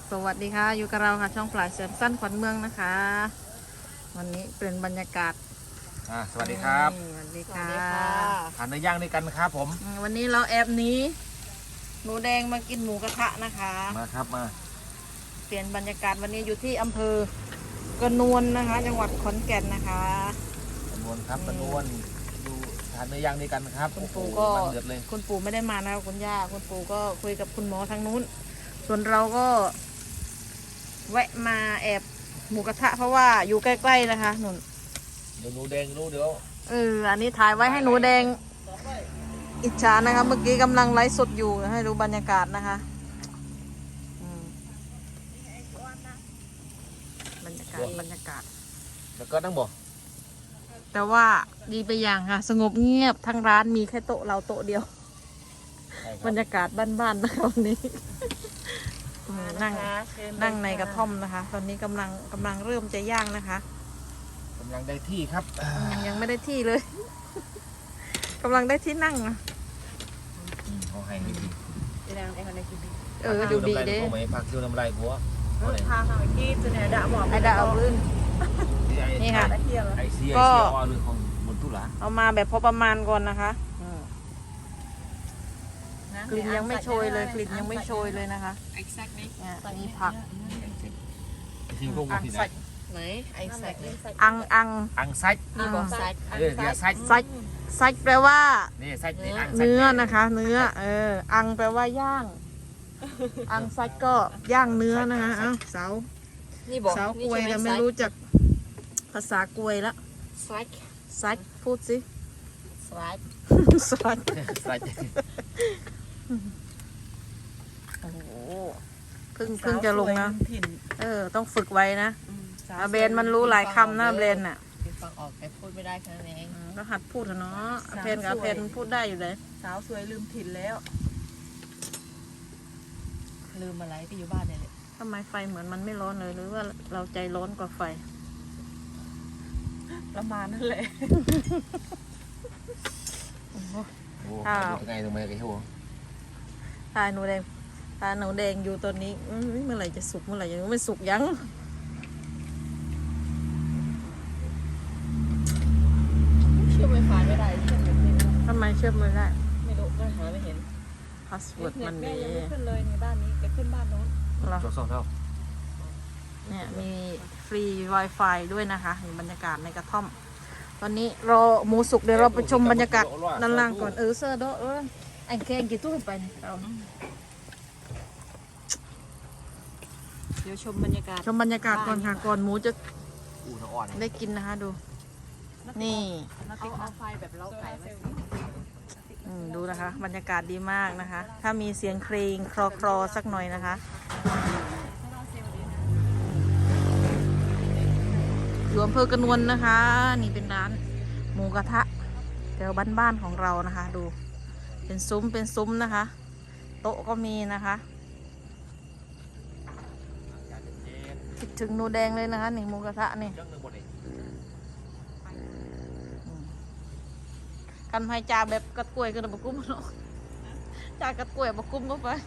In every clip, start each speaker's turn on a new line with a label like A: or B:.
A: สวัสดีค่ะอยู่กับเราค่ะช่องปลายเสริมสั้นขวัญเมืองนะคะ วันนี้เป็นบรรยากาศ
B: สวัสดีครับ
A: สวัสดีค่ะ
B: ทานเนื้อย่างด้วยกันครับผม
A: วันนี้เราแอบหนี้หนูแดงมากินหมูกระทะนะคะ
B: มาครับมา
A: เปลี่ยนบรรยากาศวันนี้อยู่ที่อำเภอกระนวลนะคะ จังหวัดขอนแก่นนะคะ
B: ปนวนครับปนวนดูทานเนื้อย่างด้วยกันครับ
A: คุณปู่ก็
B: มันเดือดเลย
A: คุณปู่ไม่ได้มานะคะคุณย่าคุณปู่ก็คุยกับคุณหมอทางนู้น ส่วนเราก็แวะมาแอบหมูกระทะเพราะว่าอยู่ใกล้ๆนะคะหนุน
B: เดี๋ยวหนูแดงรู้เดี๋ยว
A: อันนี้ถ่ายไว้ให้หนูแดงอิจฉานะคะเมื่อกี้กำลังไลฟ์สดอยู่ให้ดูบรรยากาศนะคะบรรยากาศ
B: แล้วก็นั่งบ่
A: แต่ว่าดีไปอย่างค่ะ สงบเงียบทั้งร้านมีแค่โต๊ะเราโต๊ะเดียว บรรยากาศบ้านๆนะคะวันนี้นั่งในกระท่อมนะคะ ตอนนี้กำลังเริ่มจะย่างนะคะ
B: กำลังได้ที่ครับ
A: ยังไม่ได้ที่เลย กำลังได้ที่นั่งนะ
B: เขาให้ดี
A: ดูดีเด้
B: ผมไม่พักคิวน้ำลายหัว
C: ทางเอากี้จะเนี่ยด่าบอก
A: ไอ้ดาเอาพื้น นี่ค่ะ
B: ไอเสีย
A: ก็
B: อเรื่องของบนตุลา
A: เอามาแบบพอประมาณก่อนนะคะกลิ่นยังไม่โชยเลยกลิ่นยังไม่โชยเลยนะคะเนี่ยมีผัก
B: ทีมพวกมันที่ไหน
C: ไหนไอ้แซกนี่
A: อัง
B: อังไซัด
C: นี่บอกแซก
B: เดี๋ยวไซัด
A: ไซแปลว่า
B: นี่ไซัดนี่อังไซัด
A: เนื้อนะคะ เนื้ออังแปลว่าย่าง อังไซก็ย่างเนื้อนะคะเอ้าสาว
C: นี่บอก
A: สาวกวยแต่ไม่รู้จักภาษากวยละ
C: แซก
A: ไซพูดสิ
C: แซก
A: ไซ
B: ไซัด
A: โอ้โหเพิ่งจะลงนะต้องฝึกไว้นะเบนมันรู้หลายคำนะเบนน่ะ
C: ฟังออกแต่พูดไม่ได้แค่นั้นเอง
A: ก็หัดพูดเถอะเนาะเพนกับเพนพูดได้อยู่เลย
C: สาวสวยลืมถิ่นแล้ว ลืมอะไรก็อยู่บ้านเนี่ยแหละ
A: ทำไมไฟเหมือนมันไม่ร้อนเลยหรือว่าเราใจร้อนกว่าไฟ
C: ประมาณนั่นแหละ
B: โอ้ไงตรงไหนกันหัว
A: ตาหนูแดงอยู่ตอนนี้เมื่อไหร่จะสุกเมื่อไหร่ยังไม่สุกยัง
C: เชื่อไฟฟ้าไม่ได้เชื่อไม่ได้
A: ทำไมเชื่อมไม่ได้
C: ไม่รู้ก็หาไม่เห็น
A: พาสเวิร์ดมัน
C: แม่
A: มี
C: ยังไม่ขึ้นเลยในบ้านนี้จะขึ้นบ้านโน้น
A: เหรอ
B: สองเท่า
A: เนี่ยมีฟรี Wi-Fi ด้วยนะคะเห็นบรรยากาศในกระท่อม ตอนนี้รอหมูสุกเดี๋ยวเราไปชมบรรยากาศด้านล่างก่อนเสื้อโดอันแค่กี่ตู้ไปเราเดี๋ยวชมบรรยากาศก่อนค่ะก่อนหมูจะ
B: อู่ทางอ่อน
A: ได้กินนะคะดู นี่
C: เอาไฟแบบเล้าไก่มา
A: ดูนะคะ บรรยากาศดีมากนะคะ ถ้ามีเสียงเพลงคลอสักหน่อยนะคะอยู่อำเภอกระนวลนะคะ นี่เป็นร้านหมูกระทะแถวบ้านๆของเรานะคะ ดูเป็นซุ้มนะคะ โต๊ะก็มีนะคะคิดถึงหนูแดงเลยนะคะนี่หมูกระทะนี่กันให้จ่าแบบกระกล้วยก็ได้บกุ้มเนาะจ่ากระกล้วยบกุ้มก็ไป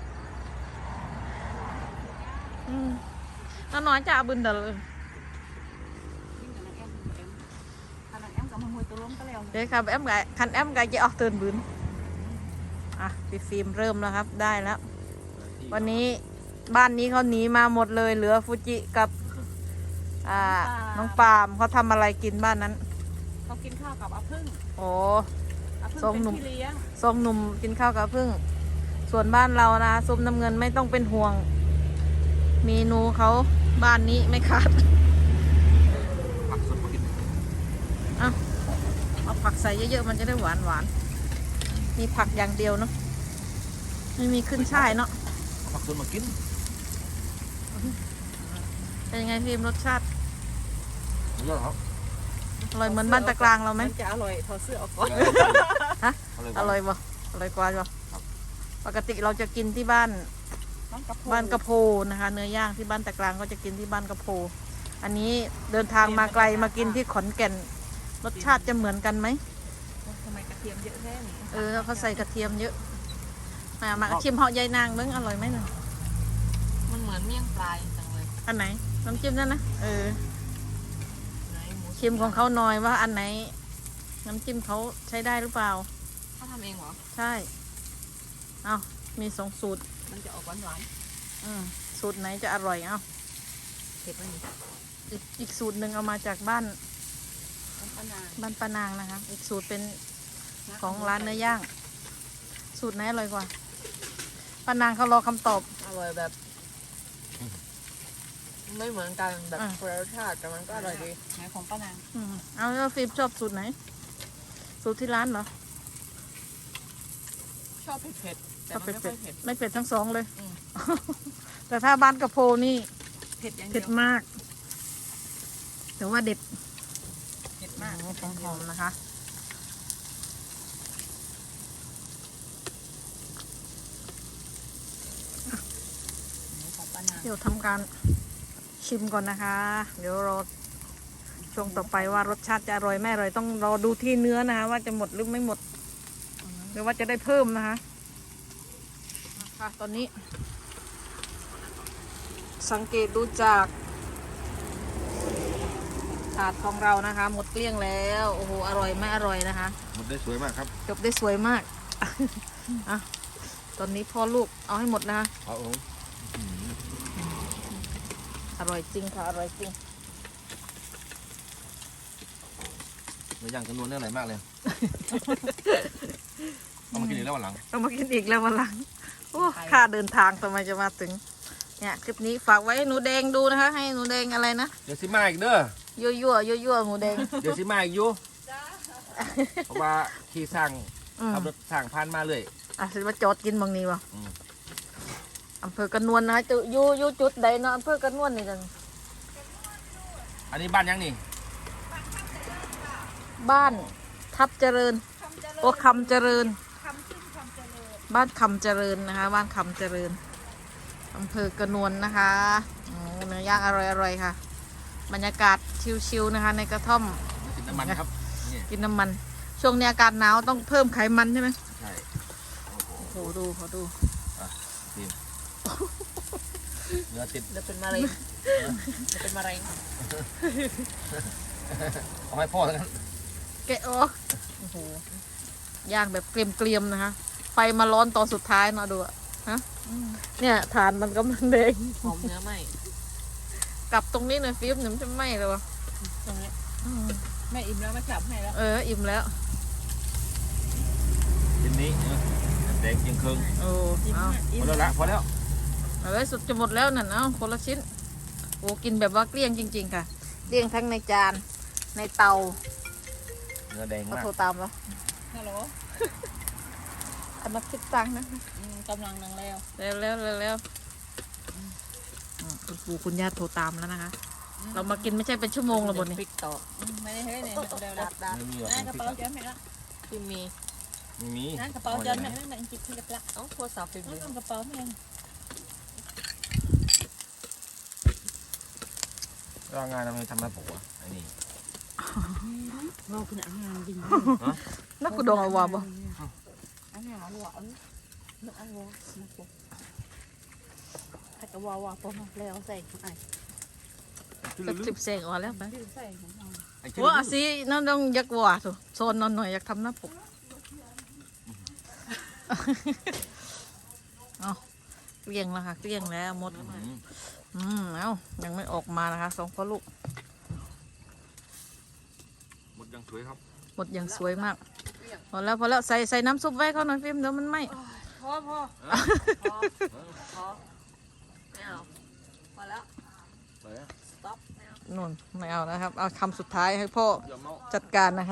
A: น้าน้อยจ่าบึนเดเลยเดี๋ยวครับคันแอมไก่จะออกเตือนบืนพี่ฟิล์มเริ่มแล้วครับได้แล้ว วันนี้บ้านนี้เขาหนีมาหมดเลยเหลือฟูจิกับน้องปาล์มเขาทำอะไรกินบ้านนั้น
C: เขากินข้าวกับอาพึ่ง
A: โอ้
C: อาพึ่ง
A: ทรง
C: เป็น
A: หนุ่ม
C: พี่เลี้ยง
A: ส้มหนุ่มกินข้าวกับพึ่งส่วนบ้านเรานะส้มน้ำเงินไม่ต้องเป็นห่วงเมนูเขาบ้านนี้ไม่ขาด
B: ผักสดมากิน
A: เอาผักใส่เยอะๆมันจะได้หวานมีผักอย่างเดียวเนาะไม่มีขึ้นช่ายเนาะ
B: ผักสดมากิน
A: เป็นยังไงพิมรสชาติ
B: เยอะครับ
A: อร่อยเหมือนบ้านตะกลางเราไหม
C: มันจะอร่อยถอดเสื้อออกก่อน
A: ฮะอร่อยบ่อร่อยกว่าบ่ปกติเราจะกินที่บ้านกระโพนะคะ เนื้อย่างที่บ้านตะกลางก็จะกินที่บ้านกระโพอันนี้เดินทางมาไกลมากินที่ขอนแก่นรสชาติจะเหมือนกันไหม
C: ทำไมกระเทียมเยอะแค่นี้
A: เขาใส่กระเทียมเยอะมาชิมเหาะยายนางเบิ้งอร่อยไหมน่ะ
C: มันเหมือนเมี่ยงปลายจังเลย
A: อันไหนน้ำจิ้มนั่นนะ
C: ไหนหมู
A: ชิมของเขาหน่อยว่าอันไหน น้ำจิ้มเขาใช้ได้หรือเปล่า
C: เขาทำเองเหรอ
A: ใช่เอามี2 สูตร
C: มันจะออกหวาน
A: สูตรไหนจะอร่อยเอา
C: ๆเผ็ดไหมนี่
A: อีกสูตรหนึ่งเอามาจากบ้าน
C: น้ำปลานาง
A: บ้านปานางนะคะ อีกสูตรเป็นของร้านเนื้อย่าง สูตรไหนอร่อยกว่าปานางเขารอคำตอบ
C: อร่อยแบบ ไม่เหมือนกันแบบคนละรสชาติแต่มันก็อร่อยดีไหนของป้านาง
A: เอาแล้วฟิล์มชอบสูตรไหน สูตรที่ร้านเหรอ
C: ชอบเผ็ดๆแต่มันไม่ค่อยเผ็ด
A: ไม่เผ็ดทั้ง 2เลย
C: อืม
A: แต่ถ้าบ้านกระโพนี่
C: เผ็ดอย่างเดี
A: เผ็
C: ย
A: ด
C: ว
A: มากแต่ว่าเด็ด
C: เผ็ดมาก
A: หอมๆนะคะ
C: ของป้านาง
A: เดี๋ยวทำการชิมก่อนนะคะ เดี๋ยวรอช่วงต่อไปว่ารสชาติจะอร่อยไม่อร่อยต้องรอดูที่เนื้อนะคะ ว่าจะหมดหรือไม่หมด หรือว่าจะได้เพิ่มนะคะค่ะตอนนี้ สังเกตดูจากถาดของเรานะคะ หมดเกลี้ยงแล้วโอ้โหอร่อยไม่อร่อยนะคะ
B: หมดได้สวยมากครับ
A: จบได้สวยมาก อ่ะตอนนี้พ่อลูกเอาให้หมดนะคะ
B: ครับผม
A: อร่อยจริงค่ะอร่อยจริง
B: เนื้อย่างจำนวนเนื้ออะไรมากเลยเอามากินอีกแล้ววันหลัง
A: ต้องมากินอีกแล้ววันหลังโอ้ค่าเดินทางทำไมจะมาถึงเนี่ยคลิปนี้ฝากไว้ให้หนูแดงดูนะคะ ให้หนูแดงอะไรนะ
B: เดี๋ยวสิมาอีกเด้อ
A: ยั่วยั่วยั่วยั่วหนูแดง
B: เดี๋ยวสิมาอีกอยู่เพราะว่าที่สร้าง
A: อืม
B: ขับรถสร้างผ่านมาเลย
A: อ่ะสิมาจอดกินบางนี้วะ
B: อืม
A: อำเภอกระนวลนะคะจะอยู่จุดใดเนาะอำเภอกระนวลนี่จัง
B: อันนี้บ้านยังนี่
A: บ้านทับเจริญโอ้คำเจริญบ้านคำเจริญนะคะ บ้านคำเจริญอำเภอกระนวลนะคะเนื้อย่างอร่อยๆค่ะ บรรยากาศชิลๆนะคะ ในกระท่อม
B: กินน้ำมันครับนี่
A: กินน้ำมัน ช่วงนี้อากาศหนาวต้องเพิ่มไขมันใช่ไหม
B: ใช่โอ้โห
A: โอ้โหดูขอดู
B: ทีมเนื้อติด
C: เดี๋ยวเป็นมะเร็งเดี๋ยวเป็นมะเร็ง
B: เอาให้พ่อแล้วกัน
A: แกะออกโอ้โหย่างแบบเกรียมๆนะคะไฟมาร้อนตอนสุดท้ายเนาะดูอะฮะเนี่ยฐานมันกำลังแดง
C: หอมเนื้อไหม
A: กลับตรงนี้หน่อยฟิล์มเดี๋ยวมันจะไหม้เลยวะ
C: ตรงนี้แม่อิ่มแล้วไม่จับให้แล้ว
A: อิ่มแล้ว
B: ทีนี้แดงเคียงครึ่ง
A: โอ้เอา
B: พอแล้วละพอแล้ว
A: เอาไว้สุดจะหมดแล้วนั่นเอาคนละชิ้นโอ้กินแบบว่าเกลี้ยงจริงๆค่ะเกลี้ยงทั้งในจานในเตา
B: เนื้อแดง
A: ก็
B: มาก
A: โทรตามแล้ว
C: ฮัลโหล
A: เอามาคิดตังค์นะ
C: กำลังนังแล้ว
A: เร็วคุณปู่คุณย่าโทรตามแล้วนะคะ เรามากินไม่ใช่เป็นชั่วโมงแล้วบนนี้
C: พริกต่อไม่ได้เฮ้ยเนี่ยเดี๋ยวดับ
B: ไม่มีหรอก
C: นั่นกระเป๋าเจ๊แม่ละพิมมี
B: ไม่มี
C: นั่นกระเป๋าเจ๊แม่นั่นแม่จิบที่กระเป๋าเอ้าโทรศัพท์พิมนั่นกระเป๋าแม่
B: ก็งานทำไมทำมาผมวะไอ้นี่
C: เราคุณอ่างงานจริง
A: นักกุดองเอาวาบ่
C: อันนี้หวานนึกอันวนะปุ๊บถ้าจะวาพอมาแล้วใส่ไอ้
A: สิบเซงออกแล้วไป
C: ที่ใส่ของเรา
A: โอ้อาซีน้องต้องยักว่าถูโซนนอนหน่อยอยากทำหน้าปกเอาเกลี้ยงแล้วค่ะเกลี้ยงแล้วหมดเอายังไม่ออกมานะคะสองพ่อลูก
B: หมดยังสวยครับ
A: หมดอย่างสวยมากพอแล้วใส่น้ำซุปไว้เขาหน่อยฟิล์มเดี๋ยวมันไหม้
C: พอไม่เอาพอแล้ว
B: ไปอะ
C: stop ไม่เอา
A: นู่นไม่เอานะครับเอาคำสุดท้ายให้พ่อ
B: อย่าเมา
A: จัดการนะคะ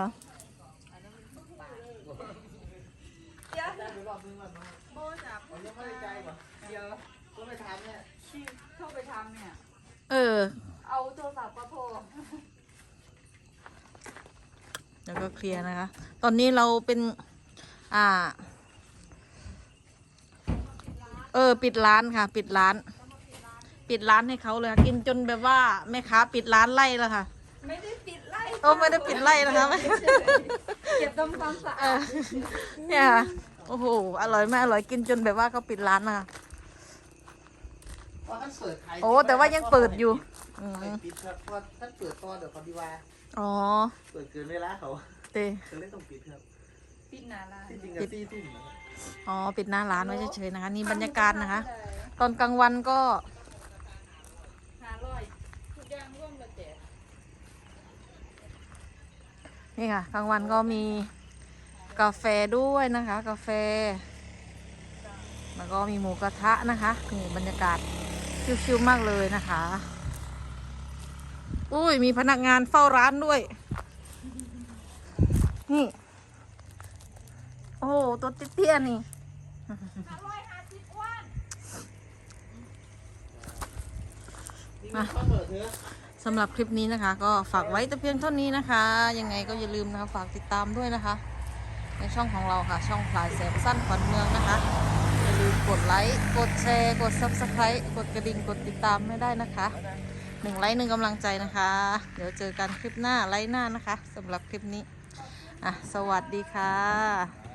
C: เข้าไปทำเนี่ย
A: เอาโทรศัพท์มาโทรแล้วก็เคลียร์นะคะ ตอนนี้เราเป็นปิดร้านค่ะ ปิดร้านให้เขาเลยค่ะกินจนแบบว่าแม่ค้าปิดร้านไล่แล้วค่ะ
C: ไม่ได้ปิดไล่
A: ไม่ได้ปิดไล่นะคะ
C: เก็บทำความสะ
A: เอ
C: อา
A: อ
C: ด
A: เนี่ยค่ะโอ้โหอร่อยไหมอร่อยกินจนแบบว่าเขาปิดร้านนะคะ
C: พอ
B: ราะท่านเปิดขาย
A: โอ้แต่ว่ายังเปิดอยู่อืม
B: ปิดครับเพราะท่านเปิดตอนเดี๋ยวเขาดีว่า
A: อ๋อ
B: เปิดเกินเวลาเขา
A: เต
B: จะเล่นต้องปิดครับ
C: ปิดหนาลาน
B: ที่จริงกับ4 ทุ่มนะครับ
A: อ๋อปิดหน้าร้านไว้เฉยๆนะคะ นี่บรรยากาศนะคะ ตอนกลางวันก็
C: 500ทุกอย่างร่วมละเจ็ด
A: นี่ค่ะกลางวันก็มีกาแฟด้วยนะคะ กาแฟ แล้วก็มีหมูกระทะนะคะนี่บรรยากาศชิวๆมากเลยนะคะ อุ้ยมีพนักงานเฝ้าร้านด้วย นี่ โอ้โหตัวเตี้ยๆนี่
B: นี่มันข้าวเปิดเถอะ
A: สำหรับคลิปนี้นะคะ ก็ฝากไว้แต่เพียงเท่านี้นะคะ ยังไงก็อย่าลืมนะคะฝากติดตามด้วยนะคะ ในช่องของเราค่ะ ช่องพลายแสงสั้นขวัญเมืองนะคะ อย่าลืมกดไลค์กดแชร์กด Subscribe กดกระดิ่งกดติดตามไม่ได้นะคะ1 ไลค์ 1 กำลังใจนะคะ เดี๋ยวเจอกันคลิปหน้าไลค์หน้านะคะสำหรับคลิปนี้สวัสดีค่ะ